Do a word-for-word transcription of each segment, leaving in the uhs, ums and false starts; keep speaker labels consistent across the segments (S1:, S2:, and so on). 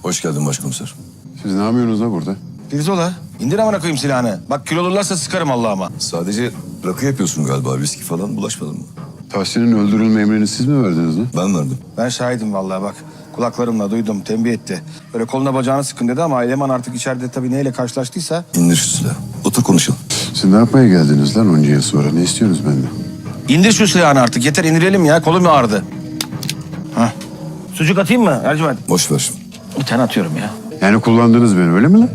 S1: Hoş geldin başkomiser.
S2: Siz ne yapıyorsunuz da burada?
S3: Pirzola, indir amına koyayım silahını. Bak kül olurlarsa sıkarım Allah'ıma.
S1: Sadece rakı yapıyorsun galiba. Viski falan bulaşmadın mı?
S2: Tahsin'in öldürülme emrini siz mi verdiniz lan?
S1: Ben verdim.
S3: Ben şahidim vallahi bak. Kulaklarımla duydum, tembih etti. Böyle koluna bacağını sıkın dedi ama eleman artık içeride tabii neyle karşılaştıysa...
S1: İndir şu silahı. Otur konuşalım.
S2: Siz ne yapmaya geldiniz lan onca yıl sonra? Ne istiyorsunuz benden?
S3: İndir şu silahını artık. Yeter indirelim ya. Kolum ağrıdı. Hah. Sucuk atayım mı Ercüment?
S1: Boş ver.
S3: Bir tane atıyorum ya.
S2: Yani kullandınız beni öyle mi lan?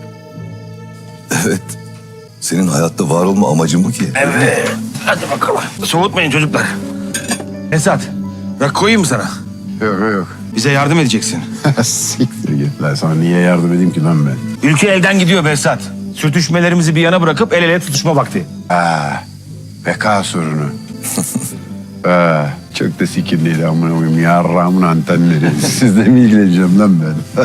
S1: Evet. Senin hayatta var olma amacın bu ki.
S3: Evet. Hadi bakalım. Soğutmayın çocuklar. Esat, rakı koyayım mı sana?
S2: Yok yok.
S3: Bize yardım edeceksin.
S2: Siktir git lan. Sana niye yardım edeyim ki lan ben?
S3: Ülke elden gidiyor Behzat. Sürtüşmelerimizi bir yana bırakıp el ele tutuşma vakti.
S2: Ha, beka sorunu. Ha, çok da sikirliydi amına koyayım. Yarrağımın antenleri. Sizle mi ilgileneceğim lan ben?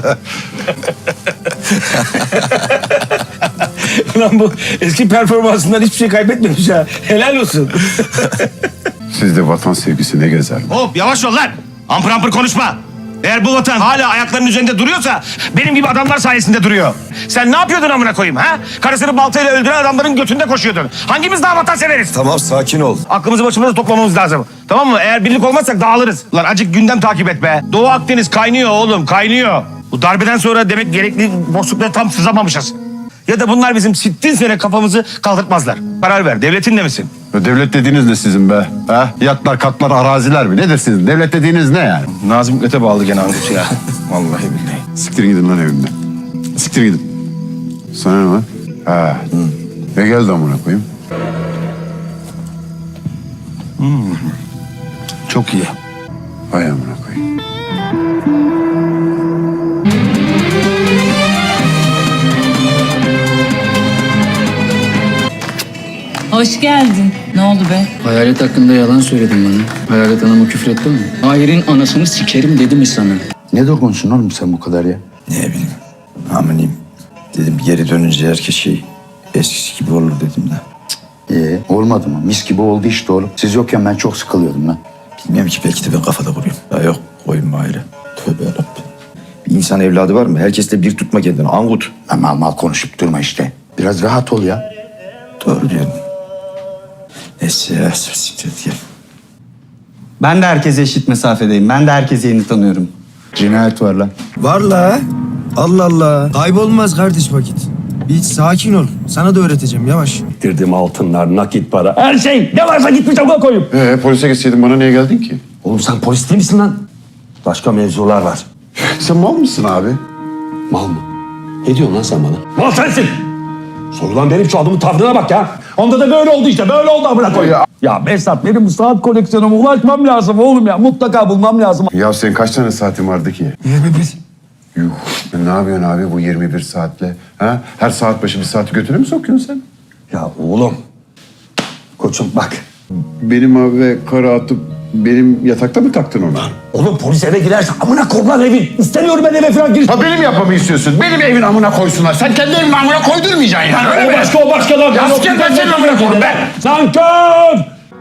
S3: Ulan bu eski performansından hiçbir şey kaybetmemiş ha. Helal olsun.
S2: Sizde vatan sevgisi ne gezer?
S3: Hop yavaş ol lan. Ampır ampır konuşma. Eğer bu vatan hala ayaklarının üzerinde duruyorsa benim gibi adamlar sayesinde duruyor. Sen ne yapıyordun amına koyayım ha? Karısını baltayla öldüren adamların götünde koşuyordun. Hangimiz daha vatan severiz?
S1: Tamam sakin ol.
S3: Aklımızı başımıza toplamamız lazım. Tamam mı? Eğer birlik olmazsak dağılırız. Lan acık gündem takip et be. Doğu Akdeniz kaynıyor oğlum kaynıyor. Bu darbeden sonra demek gerekli boşlukları tam sızamamışız. Ya da bunlar bizim sittin sene kafamızı kaldırtmazlar. Karar ver. Devletin de misin?
S2: Devlet dediğiniz ne sizin be? Ha? Yatlar, katlar, araziler mi? Nedir sizin? Devlet dediğiniz ne yani?
S3: Nazım Hikmet'e bağlı gene Angut ya. Vallahi billahi.
S2: Siktirin gidin lan evimden. Siktirin gidin. Sana ne lan? Ha. Ne geldi amına koyayım?
S3: Çok iyi.
S2: Vay amına koyayım.
S4: Hoş geldin. Ne oldu be?
S5: Hayalet hakkında yalan söyledin bana. Hayalet anama küfür etti mi? Mahir'in anasını sikerim dedi mi sana?
S6: Ne durgunsun oğlum sen bu kadar ya?
S7: Ne bileyim. Aminim. Dedim geri dönünce herkes şey eskisi gibi olur dedim de.
S6: Ee, olmadı mı? Mis gibi oldu işte oğlum. Siz yokken ben çok sıkılıyordum lan.
S7: Bilmiyorum ki belki de ben kafada kuruyorum. Ya yok koyun ayrı. Tövbe yarabbim. Bir insan evladı var mı? Herkesle bir tutma kendini. Angut.
S6: Lan mal mal konuşup durma işte. Biraz rahat ol ya.
S7: Doğru diyorsun. Neyse ya siktir et gel.
S8: Ben de herkese eşit mesafedeyim. Ben de herkesi yeni tanıyorum.
S6: Cinayet var lan.
S9: Var la. Allah Allah. Kaybolmaz kardeş vakit. Bir sakin ol. Sana da öğreteceğim yavaş.
S10: Getirdim altınlar, nakit para, her şey. Ne varsa gitmiş amına koyayım.
S2: Ee, polise gitseydin bana niye geldin ki?
S10: Oğlum sen polis değil misin lan? Başka mevzular var.
S2: Sen mal mısın abi?
S10: Mal mı? Ne diyorsun lan sen bana? Mal sensin. Sorulan benim şu adamın tavrına bak ya. Onda da böyle oldu işte. Böyle oldu amına koyayım. Ya, ya Behzat benim bu saat koleksiyonuma ulaşmam lazım oğlum ya. Mutlaka bulmam lazım.
S2: Ya senin kaç tane saatin vardı ki?
S9: yirmi bir.
S2: Yuh. Ne yapıyorsun abi bu yirmi bir saatle? Ha? Her saat başı bir saati götüne mi sokuyorsun sen?
S10: Ya oğlum. Koçum bak.
S2: Benim abi ve kara atıp benim yatakta mı taktın onu?
S10: Oğlum polis eve girerse amına koydular evin. İstemiyorum ben eve falan gir.
S2: Ha benim yapmamı istiyorsun. Benim evin amına koysunlar. Sen kendi evin amına koydurmayacaksın yani.
S10: O başka o başka lan.
S2: Ya siker ben senin amına koydum ben.
S10: Nankör!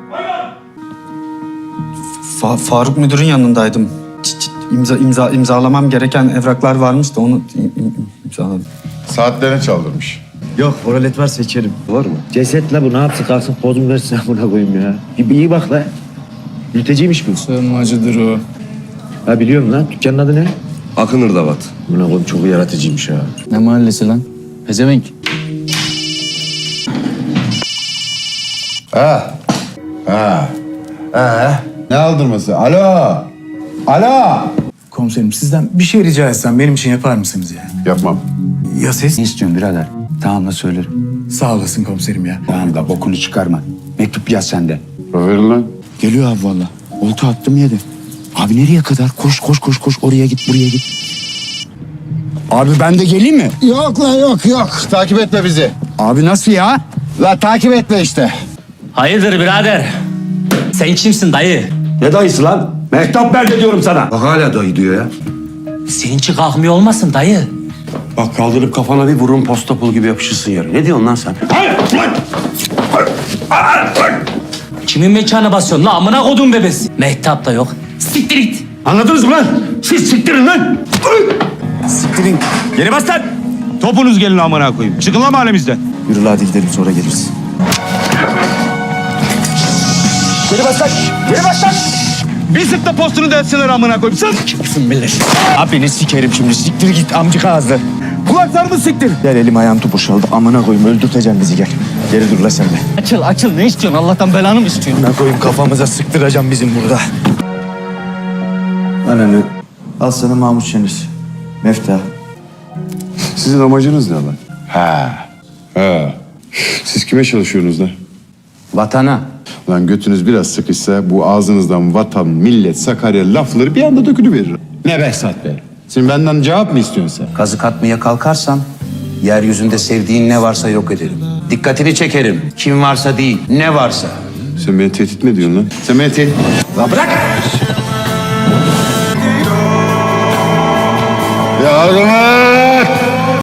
S8: Fa- Faruk müdürün yanındaydım. Ç- ç- imza, imza, imzalamam gereken evraklar varmış da onu im- im- imzaladım.
S2: Saatlerine çaldırmış.
S9: Yok oralet varsa içerim.
S11: Var mı? Ceset la bu ne yapsın kalksın pozum versin buna koyayım ya. Bir, bir iyi bak la. Mülteciymiş bu.
S5: Sığınmacıdır o.
S11: Ha biliyorum lan dükkanın adı ne?
S7: Akın Irdavat.
S11: Buna koyayım çok yaratıcıymış ha.
S5: Ne mahallesi lan? Pezevenk.
S2: Ha. Ha. Ha. Ne aldırması? Alo. Alo.
S9: Komiserim sizden bir şey rica etsem benim için yapar mısınız ya?
S2: Yapmam.
S9: Ya ses?
S6: Ne istiyorsun birader? Tamam da söylerim.
S9: Sağ olasın komiserim ya.
S6: Tamam da bokunu çıkarma. Mektup yaz sen de.
S2: Verin lan.
S6: Geliyor abi valla. Olta attım yedi. Abi nereye kadar? Koş koş koş koş oraya git buraya git. Abi ben de geleyim mi?
S2: Yok lan yok yok. Takip etme bizi.
S6: Abi nasıl ya?
S2: La takip etme işte.
S5: Hayırdır birader? Sen kimsin dayı?
S10: Ne dayısı lan? Mehtap nerede diyorum sana?
S7: Bak hala dayı diyor ya.
S5: Seninki kalkmıyor olmasın dayı?
S10: Bak kaldırıp kafana bir vurun posta pul gibi yapışırsın yarın. Ne diyorsun lan sen?
S5: Kimin mekanına basıyorsun lan amına kodum bebesi? Mehtap da yok. Siktir git.
S10: Anladınız mı lan? Siz siktirin lan.
S6: siktirin. Geri bas lan.
S3: Topunuz gelin amına koyayım. Çıkın lan mahallemizden.
S6: Yürü la hadi gidelim sonra geliriz. Geri bas lan. Geri bas lan.
S3: Bir sık da postunu da etsinler amına koyayım. Sık.
S6: Abini sikerim şimdi. Siktir git amcık ağzı.
S3: Kulaklarını siktir.
S6: Gel elim ayağım boşaldı. Amına koyayım öldürteceksin bizi gel. Geri dur la sen de.
S5: Açıl açıl ne istiyorsun? Allah'tan belanı mı istiyorsun?
S6: Amına koyayım kafamıza sıktıracağım bizim burada. Ananı. Al sana Mahmut Şener. Mefta.
S2: Sizin amacınız ne lan? Ha. Ha. Siz kime çalışıyorsunuz da?
S8: Vatana.
S2: Lan götünüz biraz sıkışsa bu ağzınızdan vatan, millet, Sakarya lafları bir anda dökülüverir. Ne Behzat be? Sen benden cevap mı istiyorsun sen?
S12: Kazık atmaya kalkarsam yeryüzünde sevdiğin ne varsa yok ederim. Dikkatini çekerim. Kim varsa değil, ne varsa.
S2: Sen beni tehdit mi ediyorsun lan? Sen beni tehdit... Lan bırak! Yardım et!